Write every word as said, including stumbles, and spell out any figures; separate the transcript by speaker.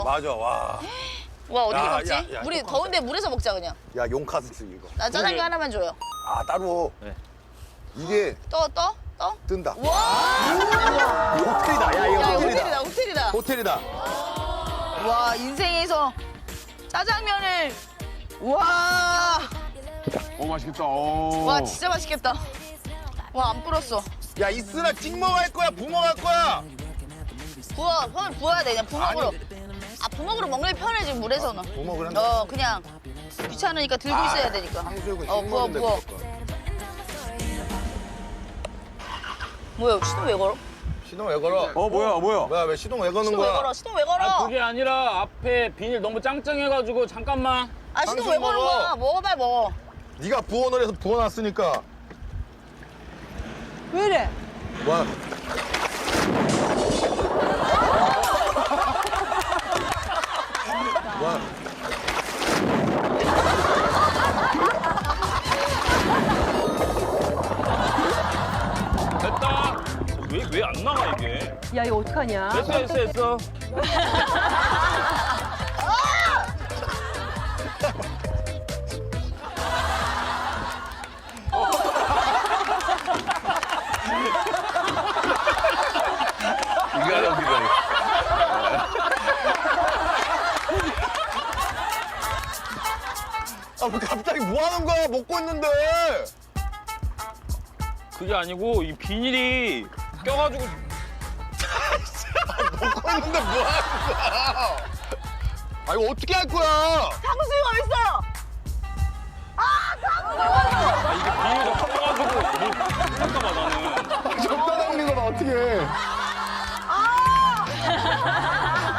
Speaker 1: 맞아, 와.
Speaker 2: 와 어떻게
Speaker 1: 야,
Speaker 2: 먹지?
Speaker 1: 야, 야,
Speaker 2: 우리
Speaker 1: 똑같아.
Speaker 2: 더운데 물에서 먹자 그냥.
Speaker 1: 야, 용카스 이거.
Speaker 2: 나 짜장면
Speaker 3: 그게-
Speaker 2: 하나만 줘요.
Speaker 1: 아, 따로.
Speaker 3: 네.
Speaker 1: 이게
Speaker 2: 떠 떠? 떠?
Speaker 1: 뜬다.
Speaker 2: 와!
Speaker 1: 호텔이다. 야, 이거
Speaker 2: 야 이거
Speaker 1: 호텔이다.
Speaker 2: 호텔이다 호텔이다.
Speaker 1: 호텔이다.
Speaker 2: 와 인생에서 짜장면을 와.
Speaker 4: 어 맛있겠다. 어.
Speaker 2: 와 진짜 맛있겠다. 와 안 불었어.
Speaker 1: 야, 이쓰나 찍먹 할 거야, 부먹 할 거야?
Speaker 2: 부어 손을 부어야 돼 그냥 부먹으로. 아 부먹으로 먹는 게 편해 지금 물에서는.
Speaker 1: 부먹을 한다.
Speaker 2: 어 그냥 귀찮으니까 들고 있어야 되니까.
Speaker 1: 탕수육은
Speaker 2: 어 부어
Speaker 1: 씹먹는데
Speaker 2: 부어.
Speaker 1: 그럴 거야.
Speaker 2: 뭐야 시동 왜 걸어?
Speaker 1: 시동 왜 걸어?
Speaker 4: 어 뭐야 뭐야?
Speaker 1: 뭐야, 왜 시동 왜 거는
Speaker 2: 시동 왜
Speaker 1: 거야?
Speaker 2: 걸어? 시동 왜 걸어?
Speaker 3: 아 그게 아니라 앞에 비닐 너무 짱짱해가지고 잠깐만.
Speaker 2: 아 시동
Speaker 1: 당신
Speaker 2: 왜 거는
Speaker 1: 먹어.
Speaker 2: 거야? 먹어 빨리 먹어.
Speaker 1: 네가 부어널 해서 부어놨으니까.
Speaker 2: 왜 이래?
Speaker 1: 와. 와.
Speaker 3: 됐다. 왜 왜 안 나가 이게?
Speaker 5: 야 이거 어떡하냐?
Speaker 3: 됐어 됐어 됐어.
Speaker 1: 이거 여기가. 아, 왜 갑자기 뭐 하는 거야? 먹고 있는데.
Speaker 3: 그게 아니고 이 비닐이 껴가지고
Speaker 1: 먹고 있는데 뭐 하는 거야? 아, 이거 어떻게 할 거야?
Speaker 2: 탕수육 어디 있어?
Speaker 3: 아 이게 비닐이 섞어가지고 뭐, 잠깐만 나는.
Speaker 1: 젓가락 있는 거나 어떻게 해?
Speaker 2: 아!